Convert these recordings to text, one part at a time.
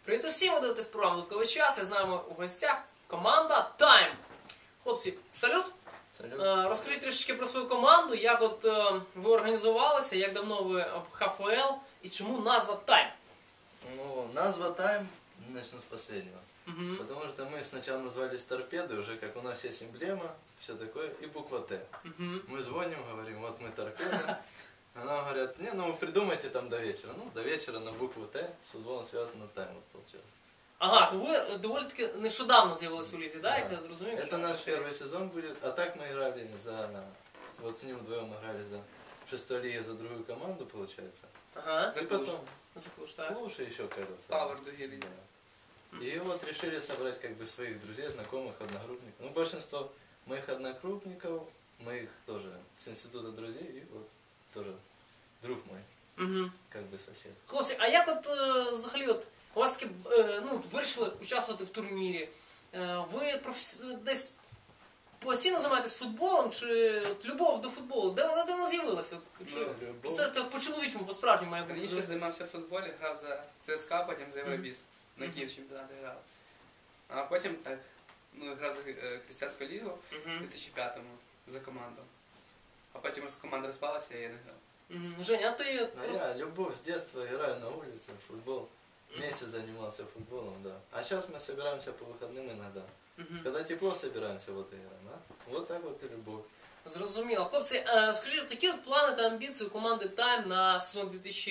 Привіт усім, ви дивитесь програму «Додатковий час». Я з нами у гостях команда Time. Хлопці, салют! Салют. Розкажіть трішечки про свою команду, як от ви організувалися, як давно ви в ХФЛ і чому назва Time? Ну, назва Time, начну с последнего. Потому что мы сначала назвались Торпеды, уже как у нас есть эмблема, все такое, и буква Т. Мы звоним, говорим, вот мы Торпеды. А нам говорят, не, ну вы придумайте там до вечера. Ну, до вечера на букву Т с футболом связано Time, вот получилось. Ага, то ви доволі таки нещодавно з'явилися у лізі, так? Як я зрозумів? Это наш первый сезон будет, а так мы играли за, вот с ним вдвоем играли за шестой лиги за другую команду, получается. Ага. И потом Клуш, Клуш и еще какой-то. Пауэр Дугель. Да. И вот решили собрать как бы своих друзей, знакомых, одногруппников. Ну, большинство моих одногруппников, моих тоже с института друзей, и вот тоже друг мой, как бы сосед. Хлопці, а як от взагалі от у вас таки вирішили участвувати в турнірі? Ви десь постійно займаєтесь футболом, чи от любов до футболу? Де вона з'явилася? Чи це так по-чоловічому, по-справжньому має бути? Раніше займався в футболі, грав за ЦСКА, потім за Євробіс. На Київ чемпіонаті грав. А потім так, грав за Християнську лігу у 2005-му за команду. А потім команда розпалася, і я не грав. Женя, а ти Я любовь с детства, играю на улице, в футбол. Месяц занимался футболом, да. А сейчас мы собираемся по выходным иногда. Когда тепло собираемся, вот и играем, да? Вот так вот и любовь. Зрозуміло. Хлопці, скажіть, такі от плани та амбіції у команди Time на сезон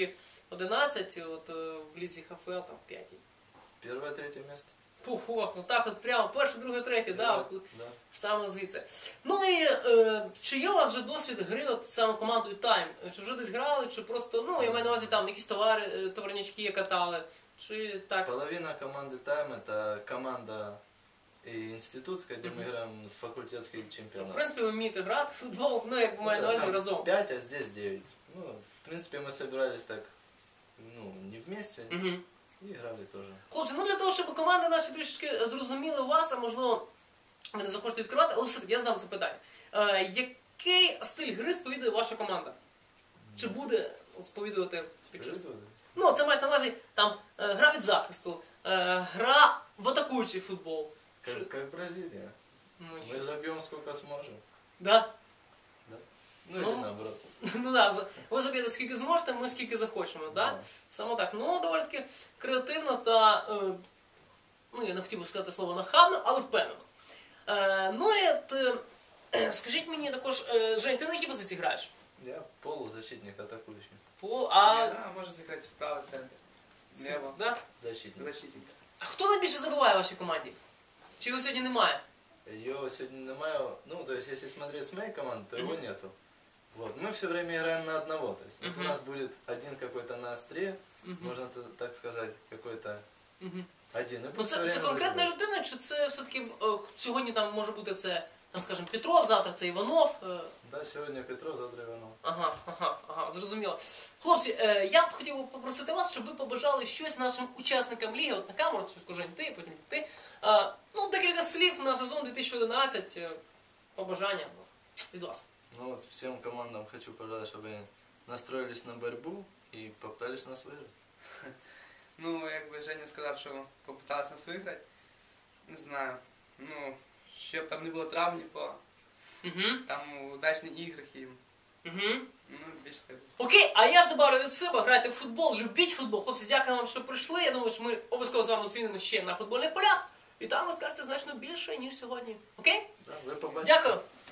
2011 от, в лізі ХФЛ, там, в 5-й? Первое, третье место. Ох, отак от прямо, перше, друге, третє, да, саме звідси. Ну і чи є у вас вже досвід гри от саме командою Time? Чи вже десь грали, чи просто, я маю на увазі там якісь товарнячки катали, чи так? Половина команды Time это команда и институтская, где мы играем в факультетский В чемпионат. принципі, ви вмієте грати в футбол, як маю на увазі разом. 5, а здесь 9. Ну, в принципе, мы собирались так, не вместе, и играли тоже. Хлопці, для того, щоб команди наші трішки зрозуміли вас, а можливо, ви не захочете відкривати, але все-таки я задам це питання. Який стиль гри сповідує ваша команда? Чи буде сповідувати під час? Це мається на увазі, там, гра від захисту, гра в атакуючий футбол. Как Бразилия. Мы забьем сколько сможем. Да? Да. Или наоборот. Ви заб'єте скільки зможете, ми скільки захочемо, да? Саме так. Доволі таки креативно та, я не хотів би сказати слово нахабно, але впевнено. Скажіть мені також, Жень, ти на якій позиції граєш? Я полузащитник, атакующий. Я можу зіграти в правий центр. Небо. Да? Защитник. А хто найбільше забиває в вашій команді? Чи його сьогодні немає? Ее сегодня немає. То есть, если смотреть с моей команды, то его нету. Вот. Мы все время играем на одного. То есть, вот у нас будет один какой-то на острие, можно так сказать, какой-то один. Це конкретна людина, чи це все-таки сьогодні там може бути це, там, скажімо, Петров, завтра це Іванов? Да, сьогодні Петров, завтра Іванов. Ага, зрозуміло. Хлопці, я б хотів попросити вас, щоб ви побажали щось нашим учасникам ліги, от на камеру, Жень, ти, потім ти. Декілька слів на сезон 2011, побажання від вас. Всем командам хочу пожелать, чтобы они настроились на борьбу и попытались нас выиграть. Якби Женя сказав, що попиталися нас виграти, не знаю, щоб там не було травм нікого, там удачні ігри їм. Більше так. Окей, а я ж добавлю від себе, грайте в футбол, любіть футбол. Хлопці, дякую вам, що прийшли. Я думаю, що ми обов'язково з вами зустрінемося ще на футбольних полях. І там ви скажете значно більше, ніж сьогодні. Окей? Да, ви побачите. Дякую.